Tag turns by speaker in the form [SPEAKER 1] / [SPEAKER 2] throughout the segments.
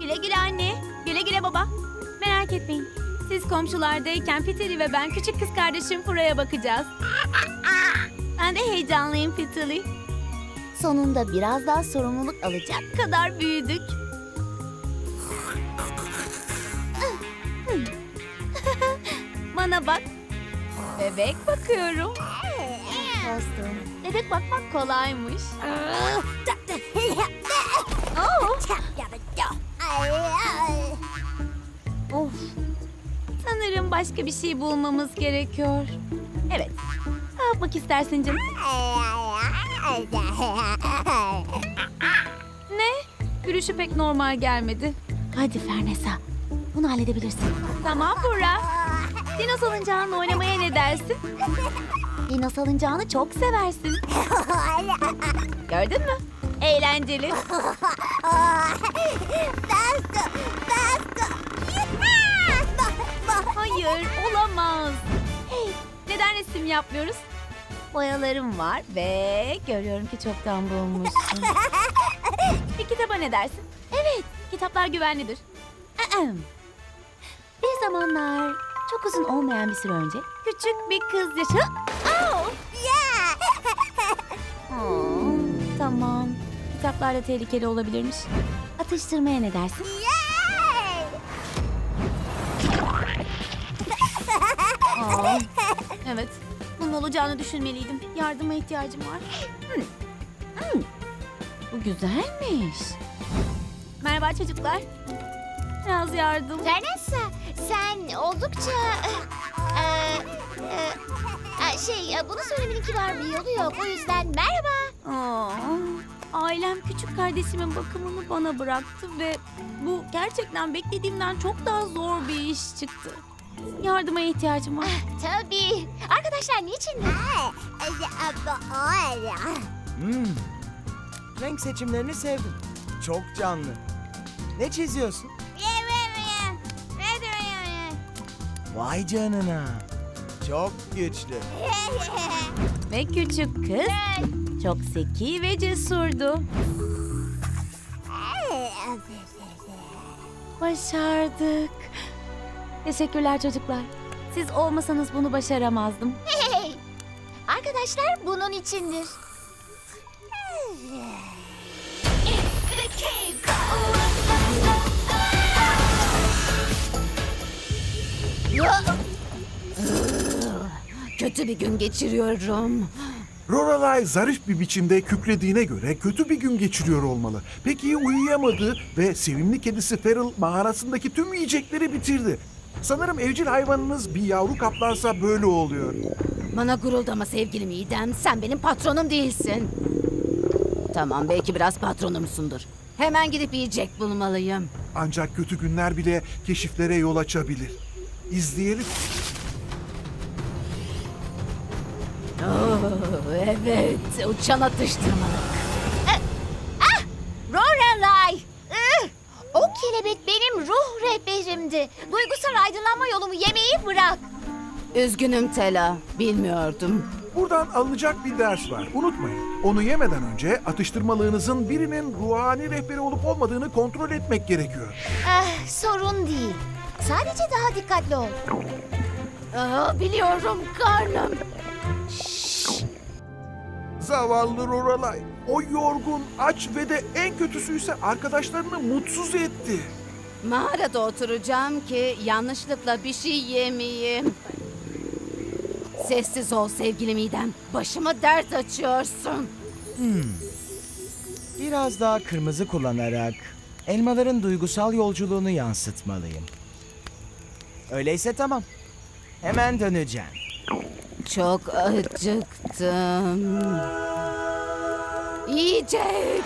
[SPEAKER 1] Güle güle anne. Güle güle baba. Merak etmeyin. Siz komşulardayken Fitili ve ben küçük kız kardeşim Fura'ya bakacağız. Ben de heyecanlıyım Fitili. Sonunda biraz daha sorumluluk alacak kadar büyüdük. Bana bak. Bebek bakıyorum. Dostum, bebek bakmak kolaymış. Oh. Of. Sanırım başka bir şey bulmamız gerekiyor. Evet. Ne yapmak istersin canım? Ne? Gülüşü pek normal gelmedi. Hadi Fernesa. Bunu halledebilirsin. Tamam Burra. Dino salıncağınla oynamaya ne dersin? Dino salıncağını çok seversin. Gördün mü? Eğlenceli. Hayır, olamaz. Hey, neden resim yapmıyoruz? Boyalarım var ve görüyorum ki çoktan bulmuşsun. Bir kitaba ne dersin? Evet, kitaplar güvenlidir. Ahem. Bir zamanlar çok uzun olmayan bir süre önce küçük bir kız yaşa... Oh! Oh, tamam. Kitaplar da tehlikeli olabilirmiş. Atıştırmaya ne dersin? Aa, evet. Bunun olacağını düşünmeliydim. Yardıma ihtiyacım var. Bu güzelmiş. Merhaba çocuklar. Biraz yardım.
[SPEAKER 2] Vanessa, sen oldukça... bunu söylemenin kibar bir yolu yok. O yüzden merhaba.
[SPEAKER 1] Aa, ailem küçük kardeşimin bakımını bana bıraktı ve bu gerçekten beklediğimden çok daha zor bir iş çıktı. Yardıma ihtiyacım var.
[SPEAKER 2] Tabii. Arkadaşlar niçin?
[SPEAKER 3] Renk seçimlerini sevdim. Çok canlı. Ne çiziyorsun? Vay canına. Çok güçlü.
[SPEAKER 1] Ve küçük kız çok zeki ve cesurdu. Başardık. Teşekkürler çocuklar. Siz olmasanız bunu başaramazdım.
[SPEAKER 2] Hey! Arkadaşlar bunun içindir.
[SPEAKER 1] Kötü bir gün geçiriyorum.
[SPEAKER 4] Lorelai zarif bir biçimde kükrediğine göre kötü bir gün geçiriyor olmalı. Pek iyi uyuyamadı ve sevimli kedisi Feral mağarasındaki tüm yiyecekleri bitirdi. Sanırım evcil hayvanınız bir yavru kaplansa böyle oluyor.
[SPEAKER 5] Bana guruldama sevgilim İdem. Sen benim patronum değilsin. Tamam, belki biraz patronumsundur. Hemen gidip yiyecek bulmalıyım.
[SPEAKER 4] Ancak kötü günler bile keşiflere yol açabilir. İzleyelim.
[SPEAKER 5] Evet, uçan atıştırmalık.
[SPEAKER 2] Lorelai! O kelebek benim ruh rehberimdi. Duygusal aydınlanma yolumu yemeyi bırak.
[SPEAKER 5] Üzgünüm Tela, bilmiyordum.
[SPEAKER 4] Buradan alınacak bir ders var. Unutmayın. Onu yemeden önce atıştırmalığınızın birinin ruhani rehberi olup olmadığını kontrol etmek gerekiyor.
[SPEAKER 2] Sorun değil. Sadece daha dikkatli ol.
[SPEAKER 5] Biliyorum, karnım.
[SPEAKER 4] Zavallı Lorelai. O yorgun, aç ve de en kötüsüyse arkadaşlarını mutsuz etti.
[SPEAKER 5] Mağarada oturacağım ki yanlışlıkla bir şey yemeyeyim. Sessiz ol sevgilim İdem. Başıma dert açıyorsun.
[SPEAKER 3] Biraz daha kırmızı kullanarak elmaların duygusal yolculuğunu yansıtmalıyım. Öyleyse tamam. Hemen döneceğim.
[SPEAKER 5] Çok acıktım. Yiyecek.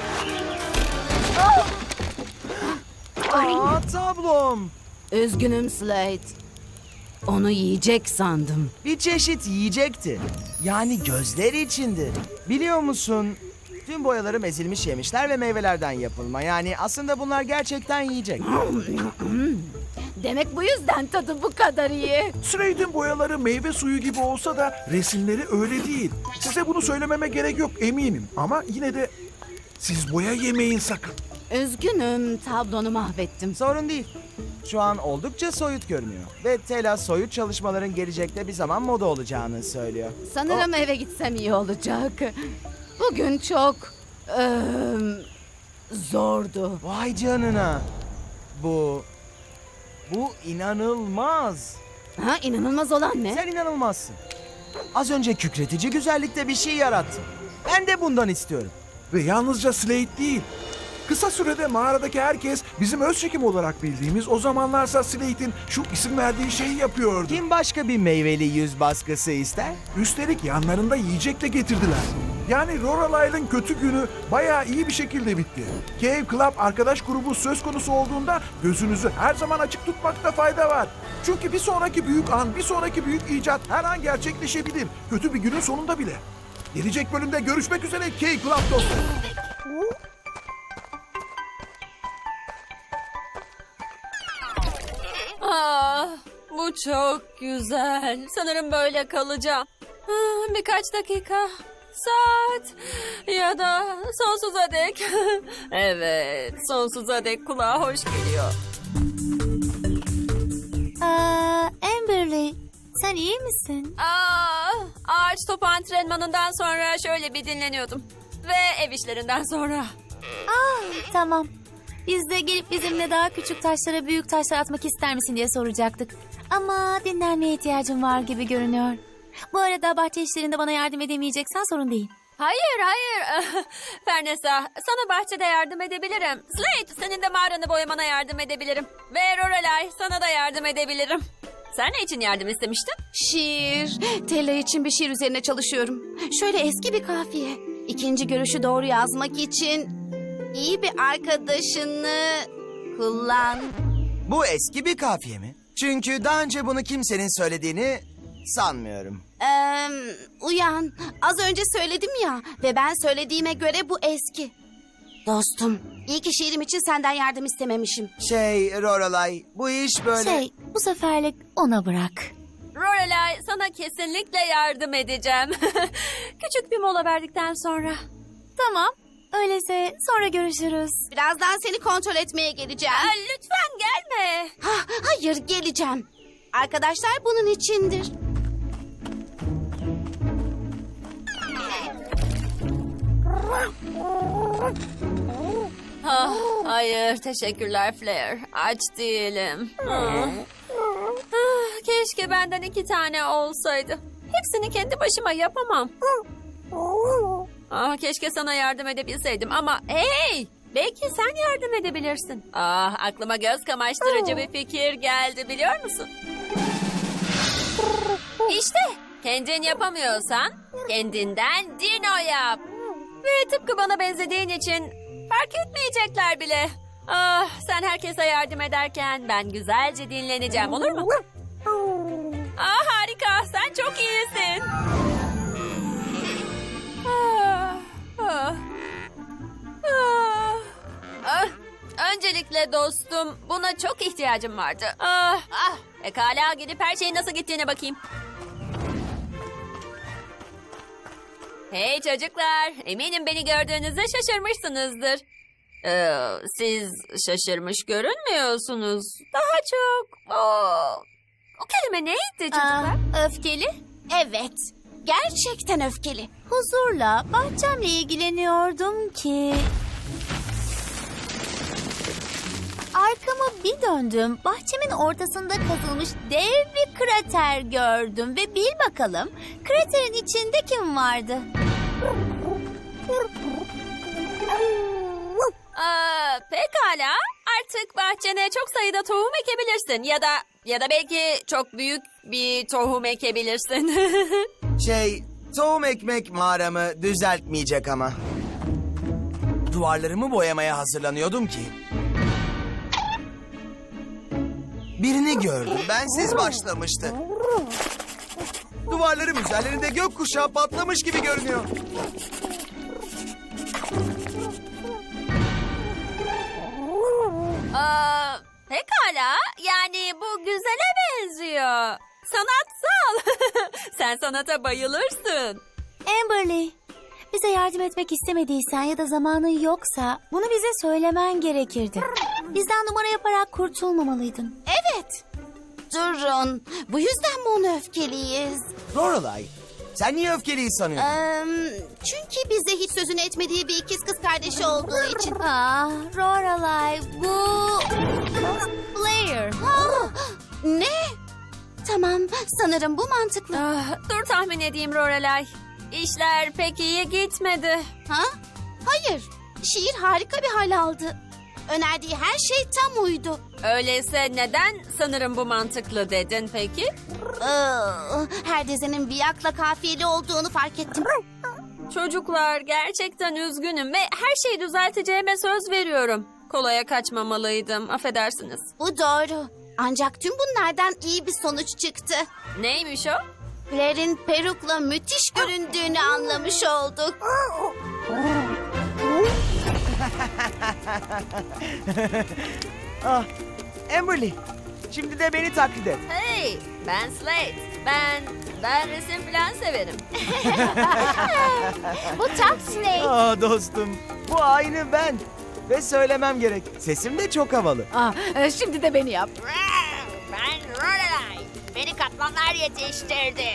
[SPEAKER 3] Aa, tablom.
[SPEAKER 5] Üzgünüm Slate. Onu yiyecek sandım.
[SPEAKER 3] Bir çeşit yiyecekti. Yani gözler içindi. Biliyor musun? Tüm boyalarım ezilmiş yemişler ve meyvelerden yapılma. Yani aslında bunlar gerçekten yiyecek.
[SPEAKER 5] Demek bu yüzden tadı bu kadar iyi.
[SPEAKER 4] Slade'in boyaları meyve suyu gibi olsa da resimleri öyle değil. Size bunu söylememe gerek yok eminim. Ama yine de siz boya yemeyin sakın.
[SPEAKER 5] Üzgünüm, tablonu mahvettim.
[SPEAKER 3] Sorun değil. Şu an oldukça soyut görünüyor. Ve Tela soyut çalışmaların gelecekte bir zaman moda olacağını söylüyor.
[SPEAKER 5] Sanırım eve gitsem iyi olacak. Bugün çok zordu.
[SPEAKER 3] Vay canına. Bu inanılmaz.
[SPEAKER 5] Ha, inanılmaz olan ne?
[SPEAKER 3] Sen inanılmazsın. Az önce kükretici güzellikte bir şey yarattın. Ben de bundan istiyorum.
[SPEAKER 4] Ve yalnızca Slate değil. Kısa sürede mağaradaki herkes bizim öz çekim olarak bildiğimiz, o zamanlarsa Slate'in şu isim verdiği şeyi yapıyordu.
[SPEAKER 3] Kim başka bir meyveli yüz baskısı ister?
[SPEAKER 4] Üstelik yanlarında yiyecek de getirdiler. Yani Lorelei'nin kötü günü bayağı iyi bir şekilde bitti. Cave Club arkadaş grubu söz konusu olduğunda gözünüzü her zaman açık tutmakta fayda var. Çünkü bir sonraki büyük an, bir sonraki büyük icat her an gerçekleşebilir. Kötü bir günün sonunda bile. Gelecek bölümde görüşmek üzere Cave Club dostları.
[SPEAKER 6] Bu çok güzel. Sanırım böyle kalacağım. Birkaç dakika, saat ya da sonsuza dek. Evet, sonsuza dek kulağa hoş geliyor.
[SPEAKER 2] Amberley, sen iyi misin?
[SPEAKER 6] Ağaç topu antrenmanından sonra şöyle bir dinleniyordum. Ve ev işlerinden sonra.
[SPEAKER 2] Tamam. Biz de gelip bizimle daha küçük taşlara büyük taşlar atmak ister misin diye soracaktık. Ama dinlenmeye ihtiyacım var gibi görünüyor. Bu arada bahçe işlerinde bana yardım edemeyeceksen sorun değil.
[SPEAKER 6] Hayır. Fernesa, sana bahçede yardım edebilirim. Slate, senin de mağaranı boyamana yardım edebilirim. Ve Lorelai, sana da yardım edebilirim. Sen ne için yardım istemiştin?
[SPEAKER 5] Şiir. Tella için bir şiir üzerine çalışıyorum. Şöyle eski bir kafiye. İkinci görüşü doğru yazmak için iyi bir arkadaşını kullan.
[SPEAKER 3] Bu eski bir kafiye mi? Çünkü daha önce bunu kimsenin söylediğini sanmıyorum.
[SPEAKER 5] Uyan. Az önce söyledim ya ve ben söylediğime göre bu eski. Dostum, iyi ki şiirim için senden yardım istememişim.
[SPEAKER 3] Lorelai, bu iş böyle...
[SPEAKER 2] Bu seferlik ona bırak.
[SPEAKER 6] Lorelai, sana kesinlikle yardım edeceğim. Küçük bir mola verdikten sonra.
[SPEAKER 2] Tamam. Öyleyse sonra görüşürüz.
[SPEAKER 5] Birazdan seni kontrol etmeye geleceğim.
[SPEAKER 6] Lütfen gelme.
[SPEAKER 5] Hayır, geleceğim. Arkadaşlar bunun içindir.
[SPEAKER 6] Hayır, teşekkürler Flair. Aç değilim. Keşke benden 2 tane olsaydı. Hepsini kendi başıma yapamam. Keşke sana yardım edebilseydim ama hey! Belki sen yardım edebilirsin. Aklıma göz kamaştırıcı bir fikir geldi, biliyor musun? İşte, kendin yapamıyorsan kendinden dino yap. Ve tıpkı bana benzediğin için fark etmeyecekler bile. Sen herkese yardım ederken ben güzelce dinleneceğim, olur mu? Harika, sen çok iyisin. Öncelikle dostum, buna çok ihtiyacım vardı. Pekala, gidip her şeyin nasıl gittiğine bakayım. Hey çocuklar, eminim beni gördüğünüzde şaşırmışsınızdır. Siz şaşırmış görünmüyorsunuz. Daha çok... O kelime neydi çocuklar?
[SPEAKER 2] Öfkeli?
[SPEAKER 5] Evet, gerçekten öfkeli.
[SPEAKER 2] Huzurla bahçemle ilgileniyordum ki... Arkamı bir döndüm. Bahçemin ortasında kazılmış dev bir krater gördüm. Ve bil bakalım kraterin içinde kim vardı?
[SPEAKER 6] Pekala. Artık bahçene çok sayıda tohum ekebilirsin. Ya da belki çok büyük bir tohum ekebilirsin.
[SPEAKER 3] Tohum ekmek mağaramı düzeltmeyecek ama. Duvarlarımı boyamaya hazırlanıyordum ki. Birini gördüm. Bensiz başlamıştı. Duvarlarım üzerlerinde gökkuşağı patlamış gibi görünüyor.
[SPEAKER 6] Pekala. Yani bu güzele benziyor. Sanatsal. Sen sanata bayılırsın.
[SPEAKER 2] Amberley, Bize yardım etmek istemediysen ya da zamanın yoksa bunu bize söylemen gerekirdi. Bizden numara yaparak kurtulmamalıydın.
[SPEAKER 5] Evet. Durun. Bu yüzden mi ona öfkeliyiz?
[SPEAKER 3] Lorelai, sen niye öfkeliyi sanıyorsun?
[SPEAKER 5] Çünkü bize hiç sözünü etmediği bir ikiz kız kardeşi olduğu için.
[SPEAKER 2] Ah, Lorelai, bu... Blair.
[SPEAKER 5] Ne? Tamam, sanırım bu mantıklı.
[SPEAKER 6] Dur tahmin edeyim Lorelai. İşler pek iyi gitmedi.
[SPEAKER 5] Ha? Hayır. Şiir harika bir hal aldı. Önerdiği her şey tam uydu.
[SPEAKER 6] Öyleyse neden sanırım bu mantıklı dedin peki?
[SPEAKER 5] Her dizinin biyakla kafiyeli olduğunu fark ettim.
[SPEAKER 6] Çocuklar gerçekten üzgünüm ve her şeyi düzelteceğime söz veriyorum. Kolaya kaçmamalıydım, affedersiniz.
[SPEAKER 5] Bu doğru. Ancak tüm bunlardan iyi bir sonuç çıktı.
[SPEAKER 6] Neymiş o?
[SPEAKER 5] Blair'in perukla müthiş göründüğünü anlamış olduk.
[SPEAKER 3] Ah, Amberly, şimdi de beni taklit et.
[SPEAKER 6] Hey, ben Slate. Ben resim falan severim.
[SPEAKER 2] Bu tam Slate.
[SPEAKER 3] Ah dostum, bu aynı ben. Ve söylemem gerek, sesim de çok havalı.
[SPEAKER 1] Şimdi de beni yap.
[SPEAKER 6] Ben Lorelai. Beni kaplanlar yetiştirdi.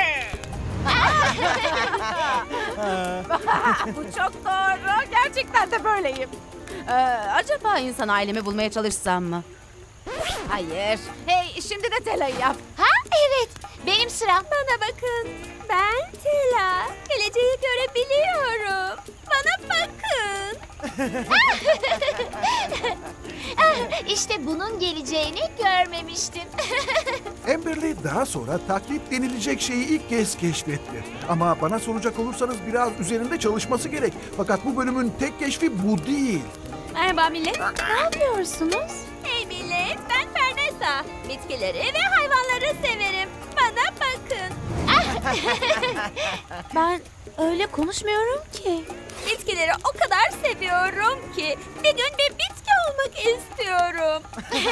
[SPEAKER 1] Bu çok doğru. Gerçekten de böyleyim. Acaba insan ailemi bulmaya çalışsam mı? Hayır. Hey, şimdi de Tela'yı yap.
[SPEAKER 2] Ha evet, benim sıram.
[SPEAKER 6] Bana bakın. Ben Tela. Geleceği görebiliyorum. Bana bakın.
[SPEAKER 2] İşte bunun geleceğini görmemiştim.
[SPEAKER 4] Amberly daha sonra taklit denilecek şeyi ilk kez keşfetti. Ama bana soracak olursanız biraz üzerinde çalışması gerek. Fakat bu bölümün tek keşfi bu değil.
[SPEAKER 1] Merhaba millet.
[SPEAKER 2] Ne yapıyorsunuz?
[SPEAKER 6] Hey millet, ben Fernesa. Bitkileri ve hayvanları severim. Bana bakın.
[SPEAKER 2] Ben öyle konuşmuyorum ki.
[SPEAKER 6] Bitkileri o kadar seviyorum ki bir gün bir bitki olmak istiyorum.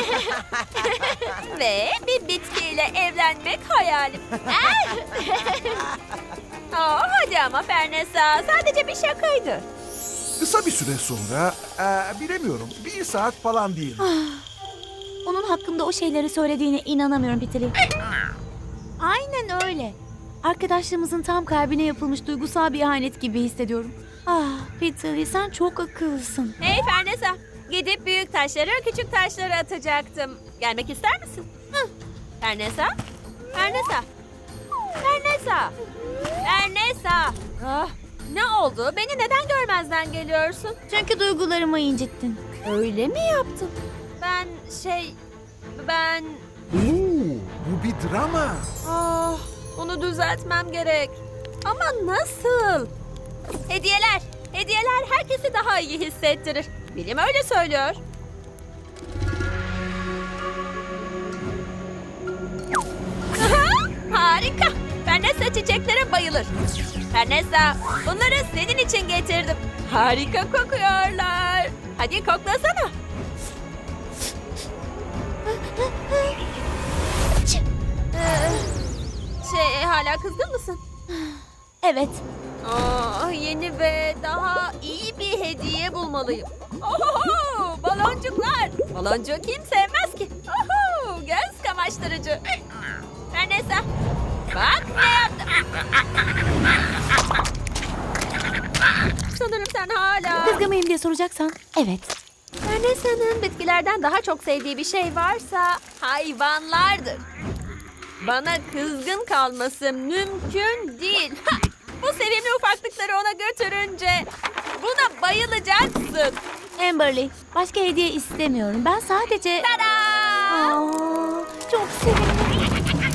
[SPEAKER 6] Ve bir bitkiyle evlenmek hayalim. Hadi ama Fernesa, sadece bir şakaydı.
[SPEAKER 4] Kısa bir süre sonra, bilemiyorum, 1 saat falan değil.
[SPEAKER 2] Onun hakkında o şeyleri söylediğine inanamıyorum Pitili. Aynen öyle. Arkadaşlığımızın tam kalbine yapılmış duygusal bir ihanet gibi hissediyorum. Ah Pitili, sen çok akıllısın.
[SPEAKER 6] Hey Fernesa, gidip büyük taşları küçük taşlara atacaktım. Gelmek ister misin? Fernesa? Fernesa? Fernesa? Fernesa? Ne oldu? Beni neden görmezden geliyorsun?
[SPEAKER 2] Çünkü duygularımı incittin.
[SPEAKER 1] Öyle mi yaptın?
[SPEAKER 6] Ben...
[SPEAKER 4] Bu bir drama.
[SPEAKER 6] Bunu düzeltmem gerek. Ama nasıl? Hediyeler. Hediyeler herkesi daha iyi hissettirir. Bilim öyle söylüyor. Harika. Fernesa çiçeklere bayılır. Fernesa, bunları senin için getirdim. Harika kokuyorlar. Hadi koklasana. Hala kızgın mısın?
[SPEAKER 2] Evet.
[SPEAKER 6] Yeni ve daha iyi bir hediye bulmalıyım. Oho, baloncuklar. Baloncuğu kim sevmez ki? Oho, göz kamaştırıcı. Fernesa, bak ne yaptım. Sanırım sen hala...
[SPEAKER 2] Kızgın mıyım diye soracaksan evet.
[SPEAKER 6] Fernesa'nın bitkilerden daha çok sevdiği bir şey varsa hayvanlardır. Bana kızgın kalması mümkün değil. Bu sevimli ufaklıkları ona götürünce buna bayılacaksın.
[SPEAKER 2] Amberly, başka hediye istemiyorum. Ben sadece...
[SPEAKER 6] Tada!
[SPEAKER 2] Aa, çok sevimli.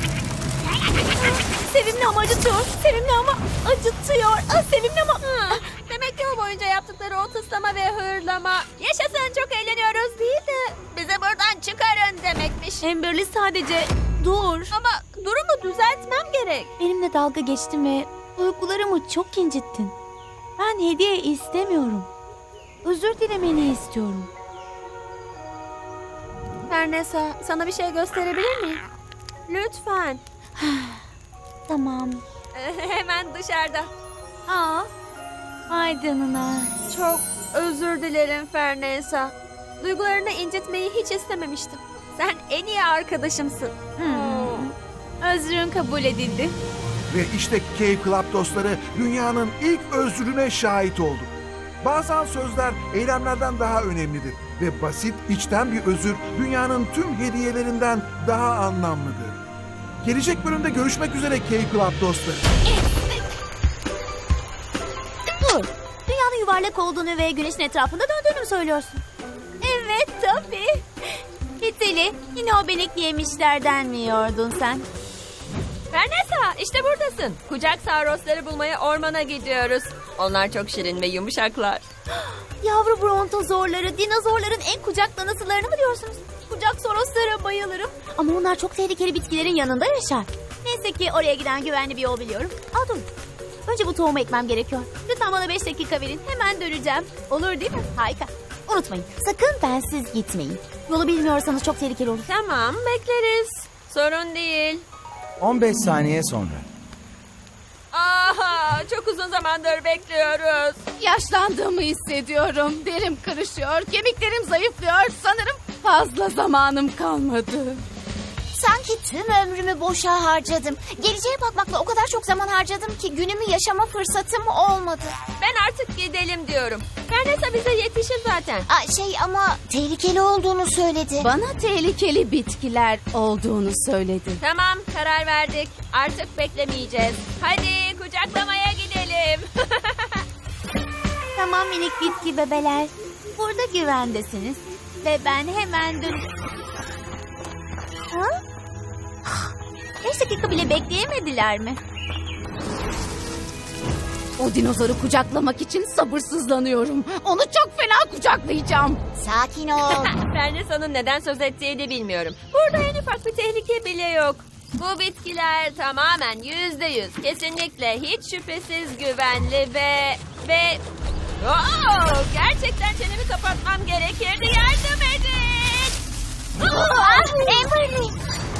[SPEAKER 2] Sevimli ama acıtıyor. Sevimli ama acıtıyor. Sevimli ama...
[SPEAKER 6] Demek yol boyunca yaptıkları o tıslama ve hırlama yaşasın çok eğleniyoruz değil de bizi buradan çıkarın demekmiş.
[SPEAKER 2] Amberly sadece dur.
[SPEAKER 6] Ama durumu düzeltmem gerek.
[SPEAKER 2] Benimle dalga geçtin ve duygularımı çok incittin. Ben hediye istemiyorum. Özür dilemeni istiyorum.
[SPEAKER 6] Fernesa, sana bir şey gösterebilir miyim? Lütfen.
[SPEAKER 2] Tamam.
[SPEAKER 6] Hemen dışarıda.
[SPEAKER 2] Aa, Ay canına.
[SPEAKER 6] Çok özür dilerim Fernesa. Duygularını incitmeyi hiç istememiştim. Sen en iyi arkadaşımsın.
[SPEAKER 1] Özrün kabul edildi.
[SPEAKER 4] Ve işte Cave Club dostları dünyanın ilk özrüne şahit olduk. Bazen sözler eylemlerden daha önemlidir ve basit içten bir özür dünyanın tüm hediyelerinden daha anlamlıdır. Gelecek bölümde görüşmek üzere Cave Club dostları.
[SPEAKER 2] Dur. Dünyanın yuvarlak olduğunu ve güneşin etrafında döndüğünü mü söylüyorsun?
[SPEAKER 1] Evet tabii. Hiteli, yine o benekli yemişlerden mi yiyordun sen?
[SPEAKER 6] Fernesa, işte buradasın. Kucak sarosları bulmaya ormana gidiyoruz. Onlar çok şirin ve yumuşaklar.
[SPEAKER 2] Yavru brontozorları, dinozorların en kucaklanısılarını mı diyorsunuz?
[SPEAKER 1] Kucak soroslara bayılırım.
[SPEAKER 2] Ama onlar çok tehlikeli bitkilerin yanında yaşar.
[SPEAKER 1] Neyse ki oraya giden güvenli bir yol biliyorum.
[SPEAKER 2] Aa dur. Önce bu tohumu ekmem gerekiyor.
[SPEAKER 1] Lütfen bana 5 dakika verin. Hemen döneceğim. Olur değil mi?
[SPEAKER 2] Harika. Unutmayın, sakın bensiz gitmeyin. Yolu bilmiyorsanız çok tehlikeli olur.
[SPEAKER 6] Tamam, bekleriz. Sorun değil.
[SPEAKER 3] 15 saniye sonra.
[SPEAKER 6] Aha, çok uzun zamandır bekliyoruz.
[SPEAKER 5] Yaşlandığımı hissediyorum. Derim kırışıyor, kemiklerim zayıflıyor. Sanırım fazla zamanım kalmadı.
[SPEAKER 2] Sanki tüm ömrümü boşa harcadım. Geleceğe bakmakla o kadar çok zaman harcadım ki günümü yaşama fırsatım olmadı.
[SPEAKER 6] Ben artık gidelim diyorum. Fernesa bize yetişir zaten.
[SPEAKER 2] Ama tehlikeli olduğunu söyledi.
[SPEAKER 5] Bana tehlikeli bitkiler olduğunu söyledi.
[SPEAKER 6] Tamam, karar verdik. Artık beklemeyeceğiz. Hadi kucaklamaya gidelim.
[SPEAKER 2] Tamam minik bitki bebeler. Burada güvendesiniz. Ve ben hemen dön... Ha? 5 dakika bile bekleyemediler mi?
[SPEAKER 5] O dinozoru kucaklamak için sabırsızlanıyorum. Onu çok fena kucaklayacağım.
[SPEAKER 2] Sakin ol.
[SPEAKER 6] Fernesa'nın neden söz ettiğini bilmiyorum. Burada en ufak bir tehlike bile yok. Bu bitkiler tamamen %100, kesinlikle hiç şüphesiz güvenli ve... gerçekten çenemi kapatmam gerekirdi. Yardım edin!
[SPEAKER 2] Amberly.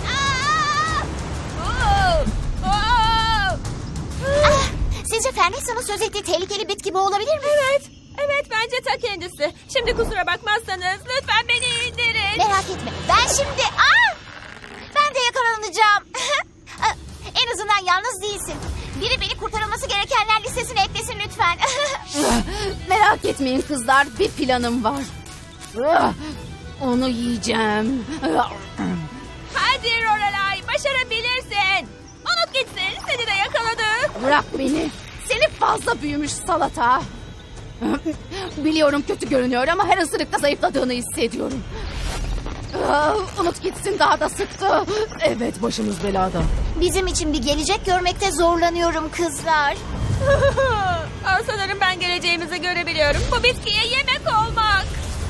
[SPEAKER 2] Sizce Fernesa'nın söz ettiği tehlikeli bitki bu olabilir mi?
[SPEAKER 6] Evet, bence ta kendisi. Şimdi kusura bakmazsanız lütfen beni indirin.
[SPEAKER 2] Merak etme. Ben şimdi... Ben de yakalanacağım. En azından yalnız değilsin. Biri beni kurtarılması gerekenler listesine eklesin lütfen.
[SPEAKER 5] Merak etmeyin kızlar, bir planım var. Onu yiyeceğim.
[SPEAKER 6] Hadi Lorelai, başarabilirsin. Unut gitsin, seni de yakaladı.
[SPEAKER 5] Bırak beni. Seni fazla büyümüş salata. Biliyorum kötü görünüyor ama her ısırıkta zayıfladığını hissediyorum. Unut gitsin, daha da sıktı. Evet, başımız belada.
[SPEAKER 2] Bizim için bir gelecek görmekte zorlanıyorum kızlar.
[SPEAKER 6] Sanırım ben geleceğimizi görebiliyorum. Bu bitkiye yemek olmak.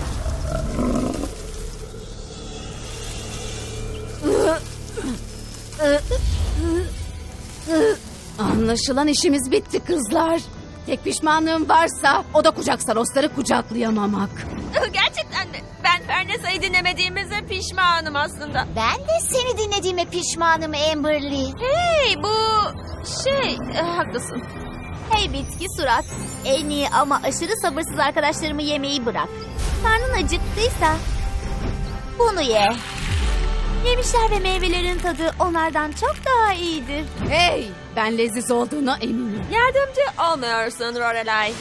[SPEAKER 5] Anlaşılan işimiz bitti kızlar. Tek pişmanlığım varsa o da kucak sarosları kucaklayamamak.
[SPEAKER 6] Gerçekten mi? Ben Fernesa'yı dinlemediğimize pişmanım aslında.
[SPEAKER 2] Ben de seni dinlediğime pişmanım Amberly.
[SPEAKER 6] Hey, bu haklısın.
[SPEAKER 2] Hey bitki surat. En iyi ama aşırı sabırsız arkadaşlarımı yemeyi bırak. Karnın acıktıysa bunu ye. Yemişler ve meyvelerin tadı onlardan çok daha iyidir.
[SPEAKER 5] Hey, ben leziz olduğuna eminim.
[SPEAKER 6] Yardımcı olmuyorsun Lorelai.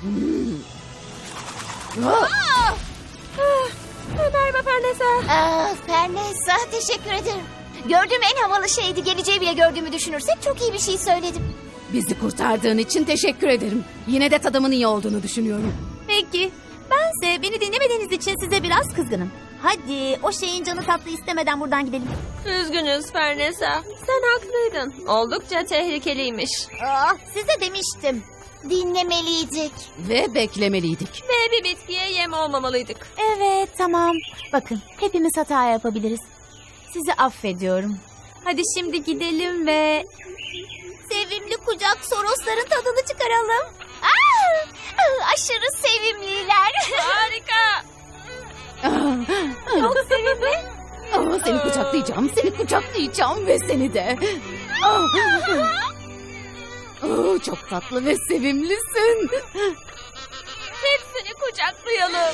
[SPEAKER 6] Merhaba Fernesa.
[SPEAKER 2] Fernesa teşekkür ederim. Gördüğüm en havalı şeydi. Geleceği bile gördüğümü düşünürsek çok iyi bir şey söyledim.
[SPEAKER 5] Bizi kurtardığın için teşekkür ederim. Yine de tadımın iyi olduğunu düşünüyorum.
[SPEAKER 2] Peki. Bense beni dinlemediğiniz için size biraz kızgınım. Hadi o şeyin canı tatlı istemeden buradan gidelim.
[SPEAKER 6] Üzgünüz Fernesa. Sen haklıydın. Oldukça tehlikeliymiş.
[SPEAKER 2] Size demiştim. Dinlemeliydik.
[SPEAKER 5] Ve beklemeliydik.
[SPEAKER 6] Ve bir bitkiye yem olmamalıydık.
[SPEAKER 2] Evet tamam. Bakın hepimiz hata yapabiliriz. Sizi affediyorum.
[SPEAKER 1] Hadi şimdi gidelim ve
[SPEAKER 2] Sevimli kucak sorosların tadını çıkaralım. Aşırı sevimliler.
[SPEAKER 6] Harika.
[SPEAKER 2] Çok sevimli.
[SPEAKER 5] Seni kucaklayacağım, seni kucaklayacağım ve seni de. Çok tatlı ve sevimlisin.
[SPEAKER 6] Hepsini kucaklayalım.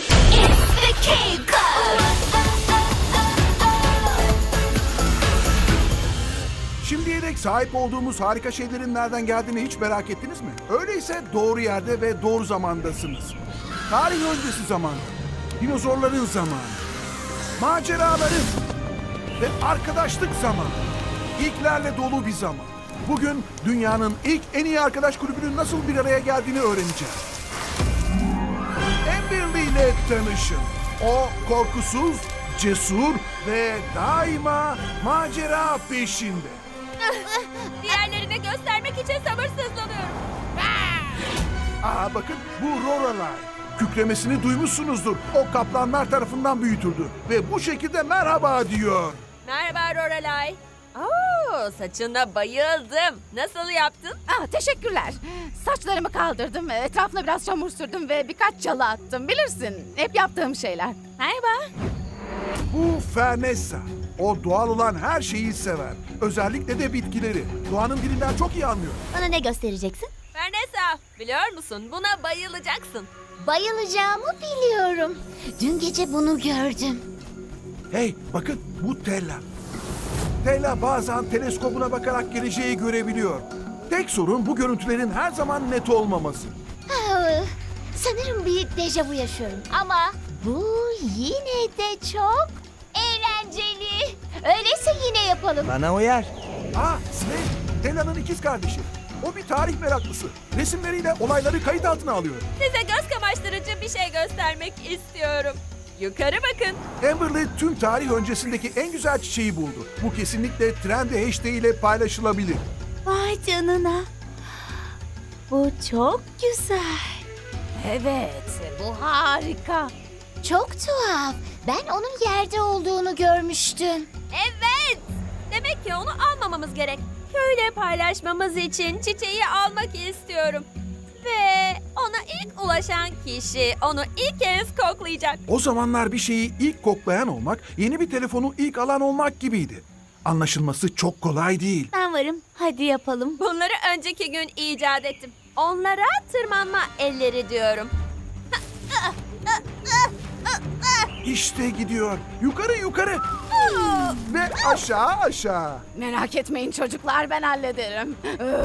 [SPEAKER 4] Şimdiye dek sahip olduğumuz harika şeylerin nereden geldiğini hiç merak ettiniz mi? Öyleyse doğru yerde ve doğru zamandasınız. Tarih öncesi zaman, dinozorların zamanı, maceraların ve arkadaşlık zamanı. İlklerle dolu bir zaman. Bugün dünyanın ilk en iyi arkadaş kulübünün nasıl bir araya geldiğini öğreneceğiz. Amberly ile tanışın. O korkusuz, cesur ve daima macera peşinde.
[SPEAKER 6] Diğerlerine göstermek için sabırsızlanıyorum.
[SPEAKER 4] Bakın bu Lorelai. Kükremesini duymuşsunuzdur. O kaplanlar tarafından büyütüldü. Ve bu şekilde merhaba diyor.
[SPEAKER 6] Merhaba Lorelai. Oo, saçına bayıldım. Nasıl yaptın?
[SPEAKER 5] Teşekkürler. Saçlarımı kaldırdım, etrafına biraz çamur sürdüm ve birkaç çalı attım. Bilirsin, hep yaptığım şeyler. Merhaba.
[SPEAKER 4] Bu Fernessa. O doğal olan her şeyi sever. Özellikle de bitkileri. Doğanın dilinden çok iyi anlıyor.
[SPEAKER 2] Bana ne göstereceksin?
[SPEAKER 6] Vanessa, biliyor musun? Buna bayılacaksın.
[SPEAKER 2] Bayılacağımı biliyorum. Dün gece bunu gördüm.
[SPEAKER 4] Hey bakın bu Tella. Tella bazen teleskobuna bakarak geleceği görebiliyor. Tek sorun bu görüntülerin her zaman net olmaması.
[SPEAKER 2] Sanırım bir dejavu yaşıyorum. Ama bu yine de çok eğlenceli. Öyleyse yine yapalım.
[SPEAKER 3] Bana uyar.
[SPEAKER 4] Slade, Tella'nın ikiz kardeşi. O bir tarih meraklısı. Resimleriyle olayları kayıt altına alıyor.
[SPEAKER 6] Size göz kamaştırıcı bir şey göstermek istiyorum. Yukarı bakın.
[SPEAKER 4] Amberly tüm tarih öncesindeki en güzel çiçeği buldu. Bu kesinlikle Trendy hashtag ile paylaşılabilir.
[SPEAKER 2] Vay canına. Bu çok güzel.
[SPEAKER 5] Evet, bu harika.
[SPEAKER 2] Çok tuhaf. Ben onun yerde olduğunu görmüştüm.
[SPEAKER 6] Evet. Demek ki onu almamamız gerek. Köyle paylaşmamız için çiçeği almak istiyorum. Ve ona ilk ulaşan kişi onu ilk kez koklayacak.
[SPEAKER 4] O zamanlar bir şeyi ilk koklayan olmak, yeni bir telefonu ilk alan olmak gibiydi. Anlaşılması çok kolay değil.
[SPEAKER 2] Ben varım. Hadi yapalım.
[SPEAKER 6] Bunları önceki gün icat ettim. Onlara tırmanma elleri diyorum.
[SPEAKER 4] İşte gidiyor. Yukarı yukarı. Ve aşağı aşağı.
[SPEAKER 5] Merak etmeyin çocuklar, ben hallederim.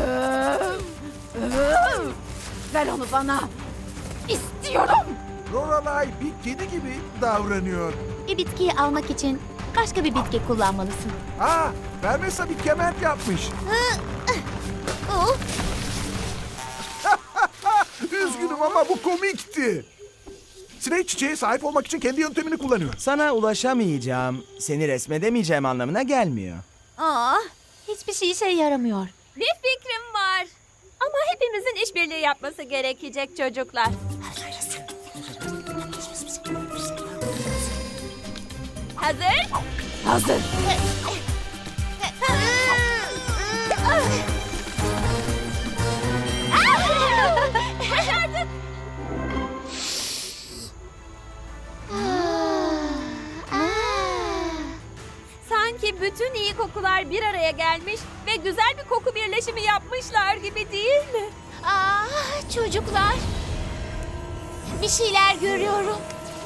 [SPEAKER 5] Ver onu bana. İstiyorum.
[SPEAKER 4] Lorelai bir kedi gibi davranıyor.
[SPEAKER 2] Bir bitkiyi almak için başka bir bitki kullanmalısın.
[SPEAKER 4] Fernessa bir kement yapmış. Üzgünüm ama bu komikti. Slade çiçeğe sahip olmak için kendi yöntemini kullanıyor.
[SPEAKER 3] Sana ulaşamayacağım, seni resmedemeyeceğim anlamına gelmiyor.
[SPEAKER 2] Hiçbir şey işe yaramıyor.
[SPEAKER 6] Bir fikrim var. Ama hepimizin işbirliği yapması gerekecek çocuklar. Hazır?
[SPEAKER 5] Hazır.
[SPEAKER 6] Başardık. Sanki bütün iyi kokular bir araya gelmiş ve güzel bir koku birleşimi yapmışlar gibi değil mi?
[SPEAKER 2] Çocuklar. Bir şeyler görüyorum.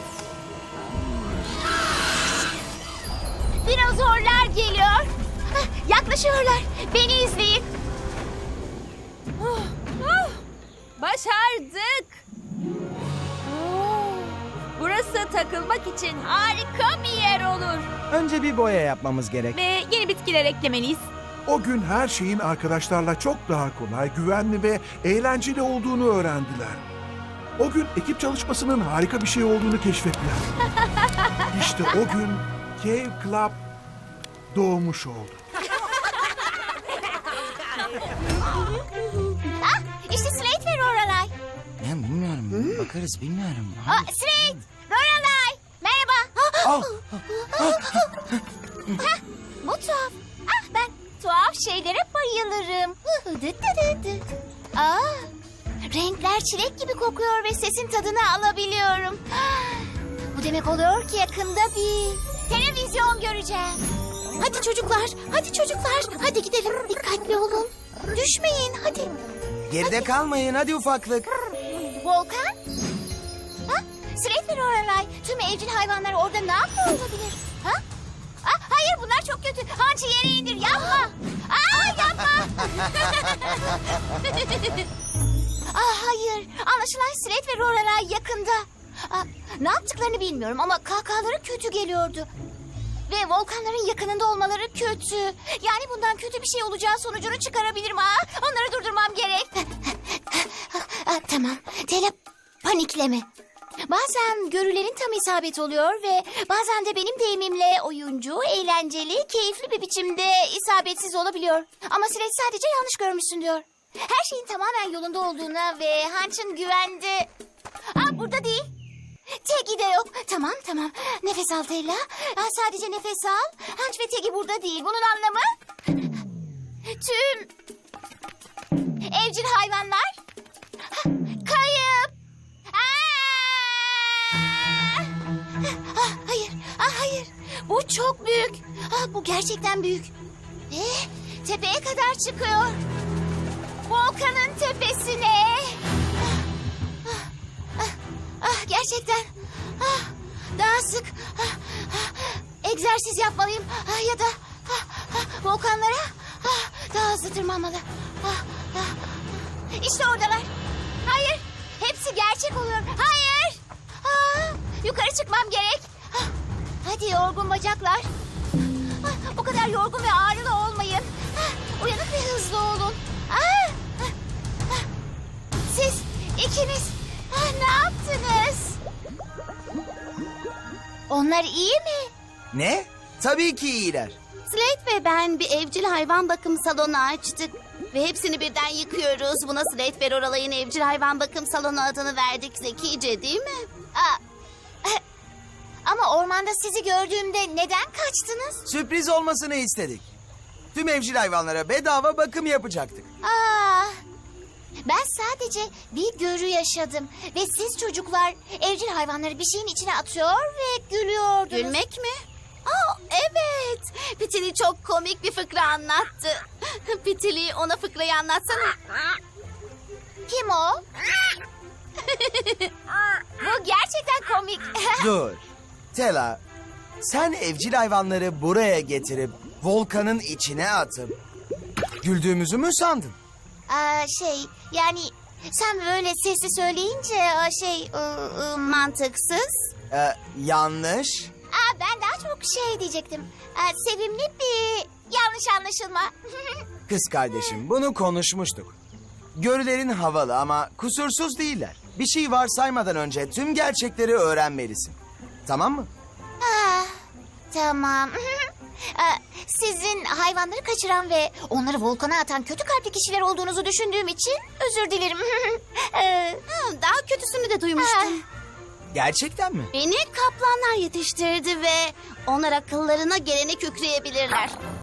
[SPEAKER 2] Dinozorlar geliyor. Yaklaşıyorlar. Beni izleyin.
[SPEAKER 6] Başardık. Burası takılmak için harika bir yer olur.
[SPEAKER 3] Önce bir boya yapmamız gerek.
[SPEAKER 1] Ve yeni bitkiler eklemeliyiz.
[SPEAKER 4] O gün her şeyin arkadaşlarla çok daha kolay, güvenli ve eğlenceli olduğunu öğrendiler. O gün ekip çalışmasının harika bir şey olduğunu keşfettiler. İşte o gün Cave Club doğmuş oldu.
[SPEAKER 2] İşte Slade ve Lorelai.
[SPEAKER 3] Ben bilmiyorum, bakarız bilmiyorum.
[SPEAKER 2] Slade, Lorelai. Merhaba. Bu tuhaf. Ben tuhaf şeylere bayılırım. Renkler çilek gibi kokuyor ve sesin tadını alabiliyorum. Bu demek oluyor ki yakında bir televizyon göreceğim. Hadi çocuklar, hadi çocuklar. Hadi gidelim. Dikkatli olun. Düşmeyin, hadi.
[SPEAKER 3] Geride kalmayın hadi ufaklık.
[SPEAKER 2] Volkan? Ha? Sret ve Lorelai, tüm evcil hayvanlar orada ne yapıyor olabilir? Ha? Hayır, bunlar çok kötü. Hancı yere indir, yapma. Yapma. Hayır, anlaşılan Sret ve Lorelai yakında. Ne yaptıklarını bilmiyorum ama kahkahaları kötü geliyordu. Ve volkanların yakınında olmaları kötü. Yani bundan kötü bir şey olacağı sonucunu çıkarabilirim. Onları durdurmam gerek. Tamam. Tela, panikleme. Bazen görülerin tam isabet oluyor ve bazen de benim deyimimle oyuncu, eğlenceli, keyifli bir biçimde isabetsiz olabiliyor. Ama Sret sadece yanlış görmüşsün diyor. Her şeyin tamamen yolunda olduğuna ve Hunch'ın güvende... burada değil. Tegi de yok. Tamam. Nefes al Tella. Sadece nefes al. Hunch ve Tegi burada değil. Bunun anlamı... Tüm... evcil hayvanlar... kayıp. Hayır. Bu çok büyük. Bu gerçekten büyük. Ve tepeye kadar çıkıyor. Volkanın tepesine. Gerçekten. Daha sık. Egzersiz yapmalıyım. Ya da volkanlara daha hızlı tırmanmalı. İşte oradalar. Hayır. Hepsi gerçek oluyor. Hayır. Yukarı çıkmam gerek. Hadi yorgun bacaklar. Bu kadar yorgun ve ağrılı olmayın. Uyanık ve hızlı olun. Siz ikiniz ne yaptınız? Onlar iyi mi?
[SPEAKER 3] Ne? Tabii ki iyiler.
[SPEAKER 5] Slate ve ben bir evcil hayvan bakım salonu açtık. Ve hepsini birden yıkıyoruz. Buna Slate ve Lorelei'nin evcil hayvan bakım salonu adını verdik. Zekice değil mi?
[SPEAKER 2] Ama ormanda sizi gördüğümde neden kaçtınız?
[SPEAKER 3] Sürpriz olmasını istedik. Tüm evcil hayvanlara bedava bakım yapacaktık.
[SPEAKER 2] Ben sadece bir görü yaşadım. Ve siz çocuklar evcil hayvanları bir şeyin içine atıyor ve gülüyordunuz.
[SPEAKER 5] Gülmek mi? Evet. Pitili çok komik bir fıkra anlattı. Pitili ona fıkrayı anlatsana.
[SPEAKER 2] Kim o? Bu gerçekten komik.
[SPEAKER 3] Dur. Tela, sen evcil hayvanları buraya getirip volkanın içine atıp güldüğümüzü mü sandın?
[SPEAKER 2] Yani sen böyle sesli söyleyince
[SPEAKER 5] Mantıksız.
[SPEAKER 3] Yanlış.
[SPEAKER 2] ben daha çok diyecektim. Sevimli bir yanlış anlaşılma.
[SPEAKER 3] Kız kardeşim, bunu konuşmuştuk. Görülerin havalı ama kusursuz değiller. Bir şey varsaymadan önce tüm gerçekleri öğrenmelisin. Tamam mı?
[SPEAKER 2] Tamam. Sizin hayvanları kaçıran ve onları volkana atan kötü kalpli kişiler olduğunuzu düşündüğüm için özür dilerim.
[SPEAKER 5] Daha kötüsünü de duymuştum.
[SPEAKER 3] Gerçekten mi?
[SPEAKER 5] Beni kaplanlar yetiştirdi ve onlar akıllarına geleni kükreyebilirler.